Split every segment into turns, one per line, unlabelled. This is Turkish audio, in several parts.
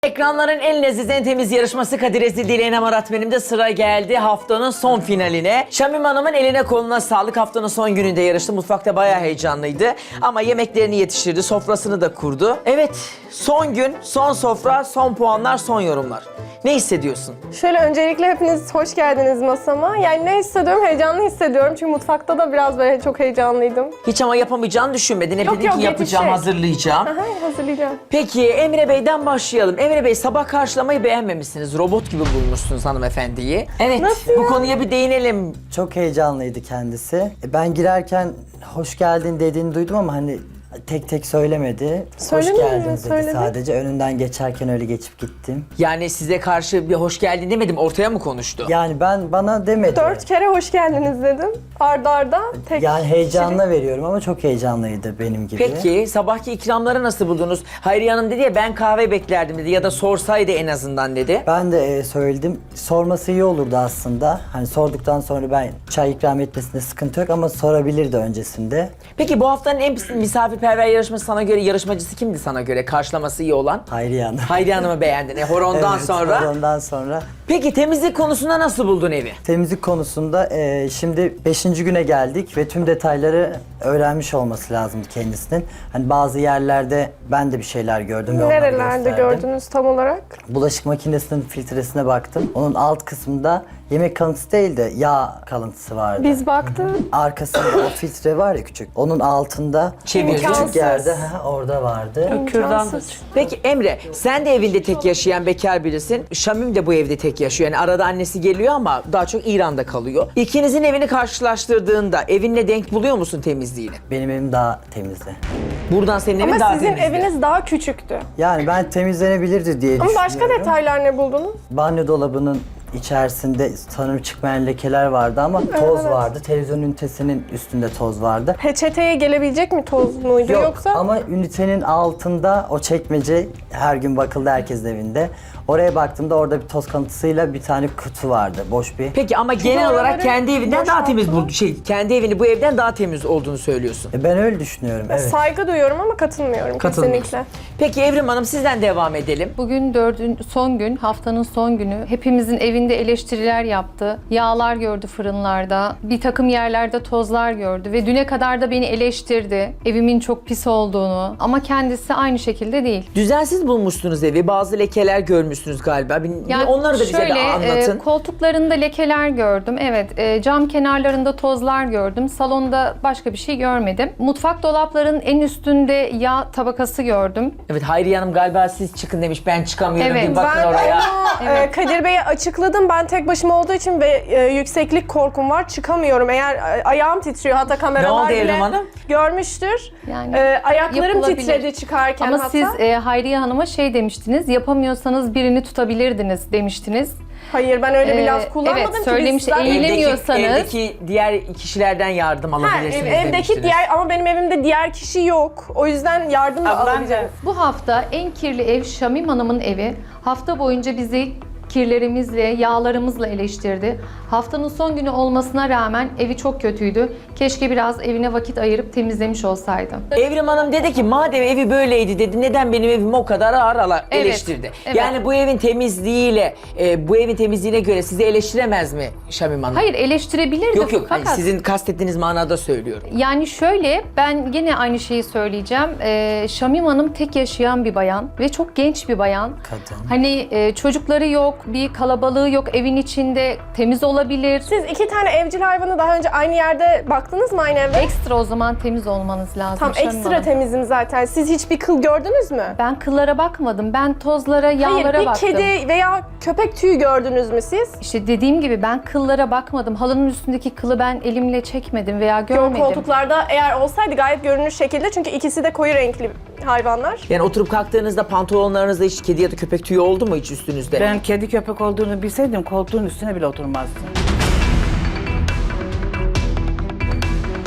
Ekranların en leziz, en temiz yarışması Kadir Ezildi ile Enem Arat benim de sıra geldi haftanın son finaline. Şamim Hanım'ın eline koluna sağlık. Haftanın son gününde yarıştı. Mutfakta bayağı heyecanlıydı. Ama yemeklerini yetiştirdi, sofrasını da kurdu. Evet, son gün, son sofra, son puanlar, son yorumlar. Ne hissediyorsun?
Şöyle öncelikle hepiniz hoş geldiniz masama. Yani ne hissediyorum? Heyecanlı hissediyorum. Çünkü mutfakta da biraz böyle çok heyecanlıydım.
Hiç ama yapamayacağını düşünmedin. Hep
Yok,
dedin
yok,
ki yapacağım,
yetişecek.
hazırlayacağım.
Aha, hazırlayacağım.
Peki Emre Bey'den başlayalım. Emre Bey, sabah karşılamayı beğenmemişsiniz. Robot gibi bulmuşsunuz hanımefendiyi. Evet,
Nasıl
bu
ya?
konuya bir değinelim.
Çok heyecanlıydı kendisi. Ben girerken hoş geldin dediğini duydum ama hani tek tek söylemedi.
Söylemedi
Hoş
mi?
geldin dedi
Söyledi.
sadece. Önünden geçerken öyle geçip gittim.
Yani size karşı bir hoş geldin demedim, ortaya mı konuştu?
Yani bana demedi.
4 kere hoş geldiniz dedim. Arda arda tek
Yani heyecanla veriyorum ama çok heyecanlıydı benim gibi.
Peki sabahki ikramları nasıl buldunuz? Hayriye Hanım dedi ya, ben kahve beklerdim dedi ya da sorsaydı en azından dedi.
Ben de söyledim. Sorması iyi olurdu aslında. Hani sorduktan sonra ben çay ikram etmesinde sıkıntı yok ama sorabilirdi öncesinde.
Peki bu haftanın en misafirperver yarışması sana göre, yarışmacısı kimdi sana göre? Karşılaması iyi olan?
Hayriye Hanım.
Hayriye Hanım'ı beğendin. Horondan
Evet,
sonra.
Ondan sonra.
Peki temizlik konusunda nasıl buldun evi?
Temizlik konusunda şimdi 5. güne geldik ve tüm detayları öğrenmiş olması lazım kendisinin. Hani bazı yerlerde ben de bir şeyler gördüm ve onları
nerelerde
gösterdim.
gördünüz tam olarak?
Bulaşık makinesinin filtresine baktım. Onun alt kısmında yemek kalıntısı değil de yağ kalıntısı vardı.
Biz baktık.
Arkasında o filtre var ya küçük. Onun altında
Çevirdi.
küçük
İmkansız.
yerde orada vardı.
İmkansız.
Peki Emre, sen de evinde tek yaşayan bekar birisin. Şamim de bu evde tek yaşıyor. Yani arada annesi geliyor ama daha çok İran'da kalıyor. İkinizin evini karşılaştırdığında evinle denk buluyor musun temizliğini?
Benim evim daha temizdi.
Buradan senin evin
Ama
daha
sizin
temizdi.
eviniz daha küçüktü.
Yani ben temizlenebilirdi diye
Ama
düşünüyorum.
başka detaylar ne buldunuz?
Banyo dolabının içerisinde sanırım çıkmayan lekeler vardı ama toz
Evet.
vardı. Televizyon ünitesinin üstünde toz vardı.
Peçeteye gelebilecek mi toz muydu
Yok
yoksa?
ama ünitenin altında o çekmece her gün bakıldı herkesin evinde. Oraya baktığımda orada bir toz kalıntısıyla bir tane kutu vardı. Boş bir.
Peki ama genel olarak
oraları
kendi evinden daha temiz
boşalttılar.
kendi evini bu evden daha temiz olduğunu söylüyorsun.
Ben öyle düşünüyorum. Evet.
Saygı duyuyorum ama katılmıyorum
Katılmıyorsun.
kesinlikle.
Peki Evrim Hanım, sizden devam edelim.
Bugün son gün, haftanın son günü. Hepimizin evinde eleştiriler yaptı. Yağlar gördü fırınlarda. Bir takım yerlerde tozlar gördü. Ve düne kadar da beni eleştirdi. Evimin çok pis olduğunu. Ama kendisi aynı şekilde değil.
Düzensiz bulmuşsunuz evi. Bazı lekeler görmüşsünüz galiba. Onları da bize
şöyle,
bir anlatın.
koltuklarında lekeler gördüm. Evet, cam kenarlarında tozlar gördüm. Salonda başka bir şey görmedim. Mutfak dolaplarının en üstünde yağ tabakası gördüm.
Evet, Hayriye Hanım galiba siz çıkın demiş. Ben çıkamıyorum.
Evet,
Bir bakın
Ben
oraya.
onu Kadir Bey'e açıkladım. Ben tek başıma olduğu için ve yükseklik korkum var. Çıkamıyorum. Eğer ayağım titriyor, hatta kameralar
oldu Evrim
bile
Hanım?
görmüştür.
Yani
Ayaklarım
yapılabilir.
titredi çıkarken
Ama
hatta.
siz Hayriye Hanım'a şey demiştiniz, yapamıyorsanız birini tutabilirdiniz demiştiniz.
Hayır, ben öyle bir laf kullanmadım
evet,
ki.
söylemiş,
Biz zaten-
eğilemiyorsanız-
Evdeki diğer kişilerden yardım
Ha,
alabilirsiniz
evdeki
demiştiniz.
diğer ama benim evimde diğer kişi yok. O yüzden yardım da alabileceğim.
Bu hafta en kirli ev Şamim Hanım'ın evi. Hafta boyunca bizi kirlerimizle, yağlarımızla eleştirdi. Haftanın son günü olmasına rağmen evi çok kötüydü. Keşke biraz evine vakit ayırıp temizlemiş olsaydı.
Evrim Hanım dedi ki madem evi böyleydi dedi, neden benim evimi o kadar ağır
Evet,
eleştirdi.
evet.
Yani bu evin temizliğiyle, bu evin temizliğine göre sizi eleştiremez mi Şamim Hanım?
Hayır, eleştirebilirdi
Yok yok, hani
fakat...
sizin kastettiğiniz manada söylüyorum.
Yani şöyle, ben gene aynı şeyi söyleyeceğim. Şamim Hanım tek yaşayan bir bayan ve çok genç bir bayan.
Kadın.
Hani çocukları yok, bir kalabalığı yok, evin içinde temiz olabilir.
Siz 2 tane evcil hayvanı daha önce aynı yerde baktınız mı aynı evde?
Ekstra o zaman temiz olmanız lazım.
Tam
Şamim
ekstra
Hanım.
temizim zaten. Siz hiçbir kıl gördünüz mü?
Ben kıllara bakmadım. Ben tozlara, yağlara
Hayır, bir
baktım.
kedi veya köpek tüyü gördünüz mü siz?
İşte dediğim gibi ben kıllara bakmadım. Halının üstündeki kılı ben elimle çekmedim veya görmedim.
Koltuklarda eğer olsaydı gayet görünür şekilde, çünkü ikisi de koyu renkli hayvanlar.
Yani oturup kalktığınızda pantolonlarınızda hiç kedi ya da köpek tüyü oldu mu hiç üstünüzde?
Ben kedi köpek olduğunu bilseydim koltuğun üstüne bile oturmazdım.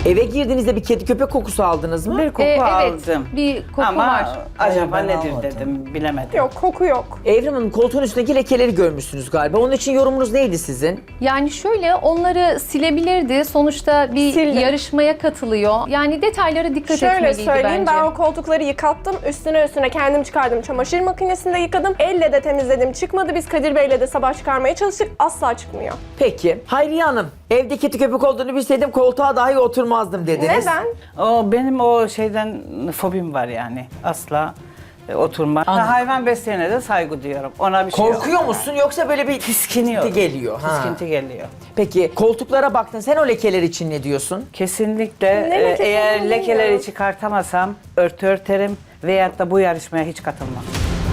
Eve girdiğinizde bir kedi köpek kokusu aldınız mı?
Bir koku
Evet,
aldım.
bir koku
Ama
var.
acaba
Hayır, ben
nedir
almadım.
dedim, bilemedim.
Yok, koku yok.
Evrim Hanım, koltuğun üstündeki lekeleri görmüşsünüz galiba. Onun için yorumunuz neydi sizin?
Yani şöyle onları silebilirdi. Sonuçta bir
Sildim.
yarışmaya katılıyor. Yani detaylara dikkat
Şöyle
etmeliydi
söyleyeyim,
bence.
ben o koltukları yıkattım. Üstüne kendim çıkardım. Çamaşır makinesinde yıkadım. Elle de temizledim. Çıkmadı. Biz Kadir Bey'le de sabah çıkarmaya çalıştık. Asla çıkmıyor.
Peki. Hayriye Hanım, evde kedi köpek olduğunu bilseydim koltuğa dahi oturmazdım dediniz.
Neden?
Benim o şeyden fobim var yani. Asla oturma.
Anladım.
Hayvan besleyene de saygı duyuyorum. Ona bir şey yok.
Korkuyor musun yoksa böyle bir
Tiskiniyor.
tiskinti geliyor? Ha.
Tiskinti geliyor.
Peki koltuklara baktın. Sen o lekeler için ne diyorsun?
Kesinlikle
Ne lekesi
eğer
olduğunu
lekeleri
bilmiyorum.
çıkartamasam örtü örterim veyahut da bu yarışmaya hiç katılmam.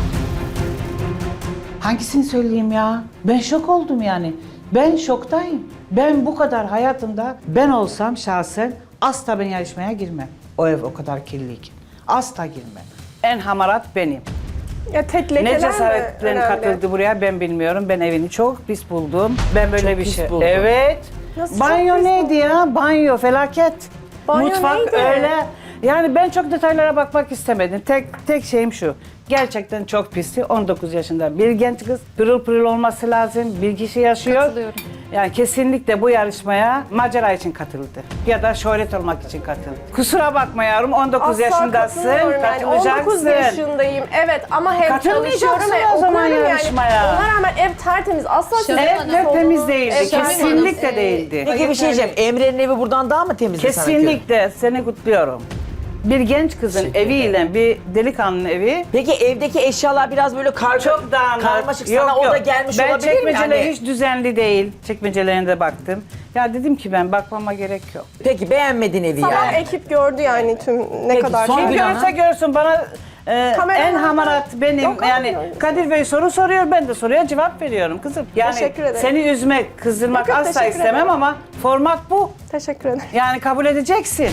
Hangisini söyleyeyim ya? Ben şok oldum yani. Ben şoktayım. Ben bu kadar hayatımda ben olsam şahsen asla ben yarışmaya girmem. O ev o kadar kirliyken. Asla girmem. En hamarat benim.
Ya tek lekeler
Ne
mi
cesaretle
önemli?
katıldı buraya ben bilmiyorum. Ben evini çok pis buldum. Ben böyle
Çok
bir
pis
şey.
buldun.
Evet.
Nasıl
Banyo
çok pis
neydi ya? Banyo felaket.
Banyo
Mutfak
neydi?
öyle. Yani ben çok detaylara bakmak istemedim. Tek şeyim şu. Gerçekten çok pisti. 19 yaşında bir genç kız. Pırıl pırıl olması lazım. Bir kişi yaşıyor.
Katılıyorum.
Yani kesinlikle bu yarışmaya macera için katıldı. Ya da şöhret olmak için katıldı. Kusura bakma yavrum 19
Asla
yaşındasın.
katılmıyorum yani. 19
Katılacaksın.
yaşındayım. Evet ama hem
Katılmayacaksın
çalışıyorum
o zaman
okuyorum
yarışmaya.
Yani. Ona rağmen ev tertemiz. Asla sizin
Şöyle
eviniz
Hanım.
Ev temiz
olduğunu-
değildi.
Evet,
Kesinlikle değildi.
Peki bir şey diyeceğim. Emre'nin evi buradan daha mı temizdi sana göre?
Kesinlikle seni kutluyorum. Bir genç kızın
Teşekkür
eviyle bir delikanlının evi
Peki evdeki eşyalar biraz böyle
çok dağınık.
karmaşık. Sana o da gelmiş
ben
olabilir mi?
çekmeceler
Hani-
hiç düzenli değil. Çekmecelerine de baktım. Ya dedim ki ben bakmama gerek yok.
Peki beğenmedin evi
Sabah
yani.
ekip gördü yani tüm ne
Peki,
kadar.
son
Kim
gün-
görürse görsün bana
Kameralar
en hamarat benim.
Yok,
yani
hayır.
Kadir Bey soru soruyor ben de soruya cevap veriyorum kızım. Yani
Teşekkür ederim.
seni üzmek, kızdırmak
Yok, yok,
asla
teşekkür
istemem
ederim.
ama format bu.
Teşekkür ederim.
Yani kabul edeceksin.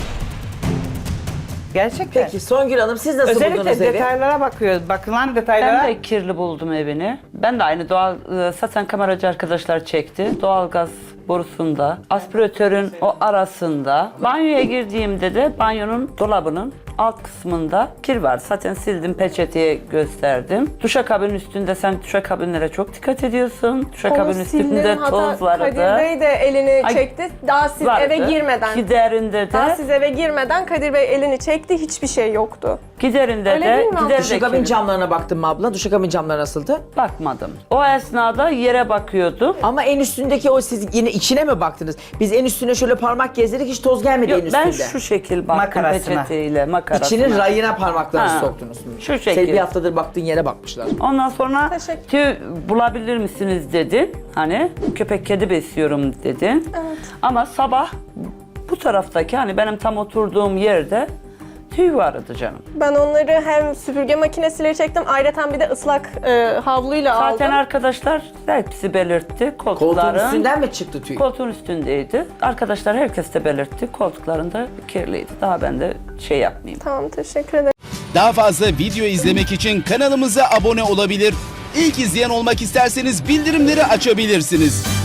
Gerçekten.
Peki Songül Hanım siz nasıl buldunuz
Özellikle
evi?
detaylara bakıyoruz. Bakılan detaylara.
Ben de kirli buldum evini. Ben de aynı zaten kameracı arkadaşlar çekti. Doğalgaz borusunda, aspiratörün o arasında. Banyoya girdiğimde de banyonun dolabının alt kısmında kir var. Zaten sildim, peçeteye gösterdim. Duşakabinin üstünde sen duşakabinlere çok dikkat ediyorsun. Duşakabinin üstünde toz vardı.
Kadir Bey de elini
Ay,
çekti. Daha siz
vardı.
eve girmeden.
Giderinde
Daha
de,
siz eve girmeden Kadir Bey elini çekti. Hiçbir şey yoktu.
giderinde
Öyle
de,
değil mi abla?
giderinde
Duşakabin
kirli.
camlarına baktın mı abla? Duşakabin camları nasıldı?
Bakmadım. O esnada yere bakıyordum.
Ama en üstündeki o siz yine içine mi baktınız? Biz en üstüne şöyle parmak gezdirdik hiç toz gelmedi en
Yok,
üstünde.
ben şu şekil baktım
Makarasına.
peçeteyle, makarasına.
İçinin rayına parmaklarınızı
Ha,
soktunuz.
şu
Sen
şekil.
bir haftadır baktığın yere bakmışlar.
Ondan sonra
Teşekkür.
tüy bulabilir misiniz dedi. Hani köpek kedi besliyorum dedi.
Evet.
Ama sabah bu taraftaki hani benim tam oturduğum yerde tüy vardı canım.
Ben onları hem süpürge makinesiyle çektim. Ayrıca bir de ıslak havluyla
Zaten
aldım.
arkadaşlar hepsi belirtti.
Koltuğun
Koltukların
üstünden mi çıktı tüy?
koltuğun üstündeydi. Arkadaşlar herkes de belirtti. Koltuklarında kirliydi. Daha ben de şey yapmayayım.
Tamam, teşekkür ederim.
Daha fazla video izlemek için kanalımıza abone olabilir. İlk izleyen olmak isterseniz bildirimleri açabilirsiniz.